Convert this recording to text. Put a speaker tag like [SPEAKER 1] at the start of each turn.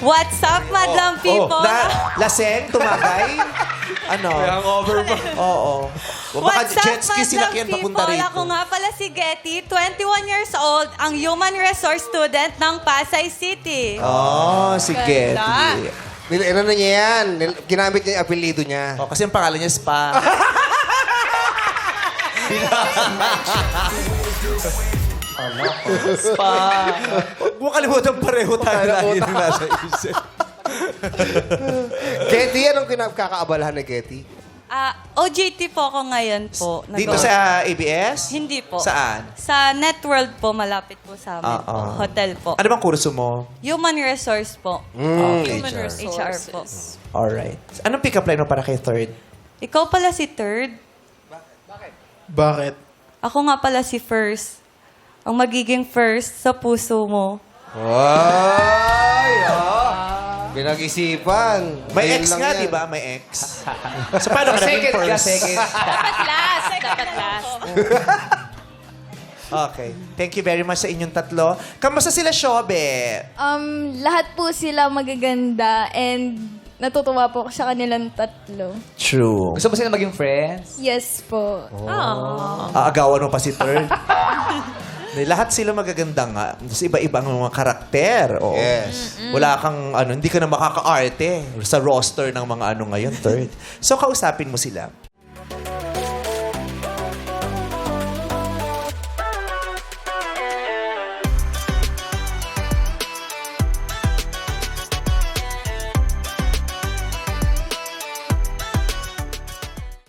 [SPEAKER 1] What's up, madlang people?
[SPEAKER 2] Laseng, tumagay. Ano?
[SPEAKER 3] May hangover pa.
[SPEAKER 2] Oo. O baka
[SPEAKER 1] What's up,
[SPEAKER 2] jet ski sinakyan
[SPEAKER 1] madlang
[SPEAKER 2] papunta
[SPEAKER 1] people?
[SPEAKER 2] rito.
[SPEAKER 1] Ako nga pala si Getty, 21 years old, ang human resource student ng Pasay City.
[SPEAKER 2] Oh, si Getty.
[SPEAKER 4] Ano na niya yan? Ginamit niya yung apelido niya.
[SPEAKER 2] Oh, kasi ang pangalan niya Spa. Spa. Huwag mo kalimutan pareho tayo lagi ng nasa isip.
[SPEAKER 4] Getty, anong kinakakaabalahan na Getty?
[SPEAKER 1] OJT po ako ngayon po.
[SPEAKER 2] Dito sa ABS?
[SPEAKER 1] Hindi po.
[SPEAKER 2] Saan?
[SPEAKER 1] Sa Networld po, malapit po sa amin po.
[SPEAKER 2] Oo.
[SPEAKER 1] Hotel po.
[SPEAKER 2] Ano bang kurso mo?
[SPEAKER 1] Human resource po.
[SPEAKER 2] Okay.
[SPEAKER 1] HR po.
[SPEAKER 2] Alright. Anong pick-up line mo para kay third?
[SPEAKER 1] Ikaw pala si third.
[SPEAKER 3] Bakit?
[SPEAKER 1] Ako nga pala si first. Ang magiging first sa puso mo.
[SPEAKER 4] Ay, Pinag-isipan.
[SPEAKER 2] May
[SPEAKER 4] Ayun
[SPEAKER 2] ex
[SPEAKER 4] lang
[SPEAKER 2] nga,
[SPEAKER 4] yan.
[SPEAKER 2] di ba? May ex. So, paano ka naging first?
[SPEAKER 1] Dapat last. Dapat last.
[SPEAKER 2] Okay. Thank you very much sa inyong tatlo. Kamusta sila, Shobe?
[SPEAKER 5] Lahat po sila magaganda and natutuwa po ako sa kanilang tatlo.
[SPEAKER 2] True.
[SPEAKER 3] Gusto mo sila maging friends?
[SPEAKER 5] Yes po.
[SPEAKER 2] Aagawan mo pa si third. Lahat sila magaganda nga. Tapos iba-ibang mga karakter. Oo.
[SPEAKER 4] Yes.
[SPEAKER 2] Wala kang, hindi ka na makaka-arte sa roster ng mga ngayon, third. So, kausapin mo sila.